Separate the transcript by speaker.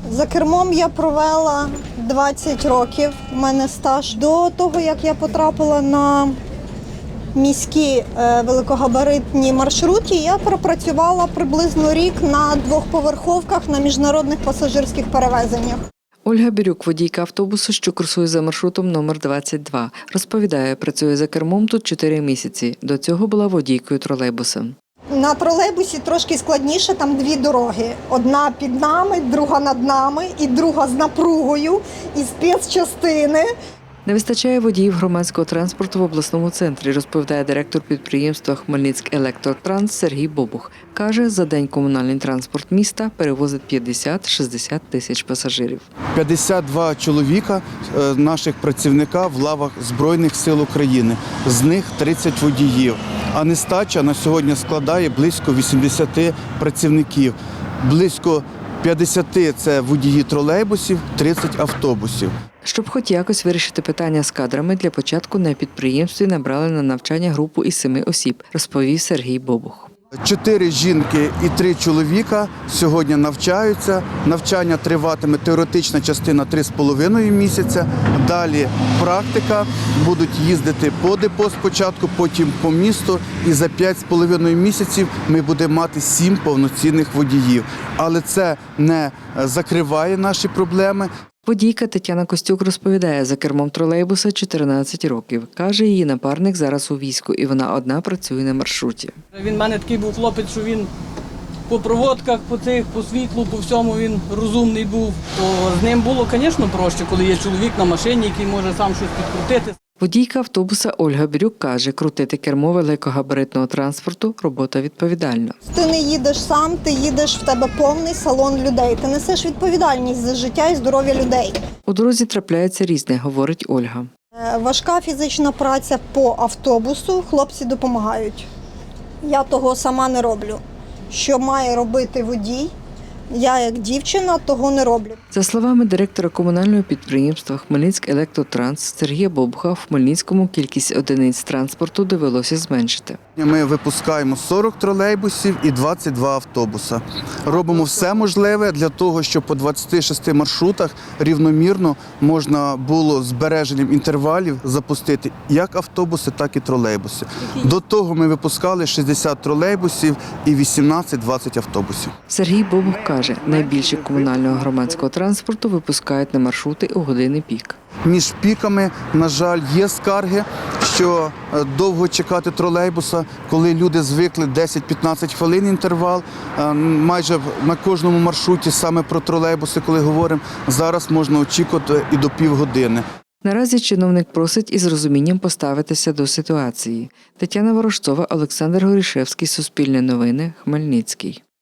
Speaker 1: За кермом я провела 20 років, у мене стаж. До того, як я потрапила на міські великогабаритні маршрути, я пропрацювала приблизно рік на двохповерховках на міжнародних пасажирських перевезеннях.
Speaker 2: Ольга Бірюк, водійка автобусу, що курсує за маршрутом номер 22. Розповідає, працює за кермом тут 4 місяці. До цього була водійкою тролейбуса.
Speaker 1: На тролейбусі трошки складніше, там дві дороги. Одна під нами, друга над нами і друга з напругою, і спецчастини.
Speaker 2: Не вистачає водіїв громадського транспорту в обласному центрі, розповідає директор підприємства «Хмельницьк-Електротранс» Сергій Бобух. Каже, за день комунальний транспорт міста перевозить 50-60 тисяч пасажирів.
Speaker 3: 52 чоловіка наших працівника в лавах Збройних сил України, з них 30 водіїв. А нестача на сьогодні складає близько 80 працівників. Близько 50 – це водії тролейбусів, 30 – автобусів.
Speaker 2: Щоб хоч якось вирішити питання з кадрами, для початку на підприємстві набрали на навчання групу із 7 осіб, розповів Сергій Бобух.
Speaker 3: 4 жінки і 3 чоловіка сьогодні навчаються. Навчання триватиме теоретична частина 3,5 місяця. Далі практика. Будуть їздити по депо спочатку, потім по місту. І за 5,5 місяців ми будемо мати 7 повноцінних водіїв. Але це не закриває наші проблеми.
Speaker 2: Водійка Тетяна Костюк розповідає, за кермом тролейбуса 14 років. Каже, її напарник зараз у війську, і вона одна працює на маршруті.
Speaker 4: Він в мене такий був хлопець, що він по проводках, по світлу, по всьому він розумний був. То з ним було, звісно, проще, коли є чоловік на машині, який може сам щось підкрутити.
Speaker 2: Водійка автобуса Ольга Бірюк каже, крутити кермо великогабаритного транспорту – робота відповідальна.
Speaker 1: Ти не їдеш сам, ти їдеш, в тебе повний салон людей. Ти несеш відповідальність за життя і здоров'я людей.
Speaker 2: У дорозі трапляється різне, говорить Ольга.
Speaker 1: Важка фізична праця по автобусу, хлопці допомагають. Я того сама не роблю. Що має робити водій, я як дівчина того не роблю.
Speaker 2: За словами директора комунального підприємства «Хмельницьк-Електротранс» Сергія Бобуха, в Хмельницькому кількість одиниць транспорту довелося зменшити.
Speaker 3: Ми випускаємо 40 тролейбусів і 22 автобуса. Робимо все можливе для того, щоб по 26 маршрутах рівномірно можна було з збереженням інтервалів запустити як автобуси, так і тролейбуси. До того ми випускали 60 тролейбусів і 18-20 автобусів.
Speaker 2: Сергій Бобух каже, найбільше комунального громадського транспорту випускають на маршрути у години пік.
Speaker 3: Між піками, на жаль, є скарги, що довго чекати тролейбуса, коли люди звикли 10-15 хвилин інтервал. Майже на кожному маршруті саме про тролейбуси, коли говоримо, зараз можна очікувати і до півгодини.
Speaker 2: Наразі чиновник просить із розумінням поставитися до ситуації. Тетяна Ворожцова, Олександр Горішевський, Суспільне новини, Хмельницький.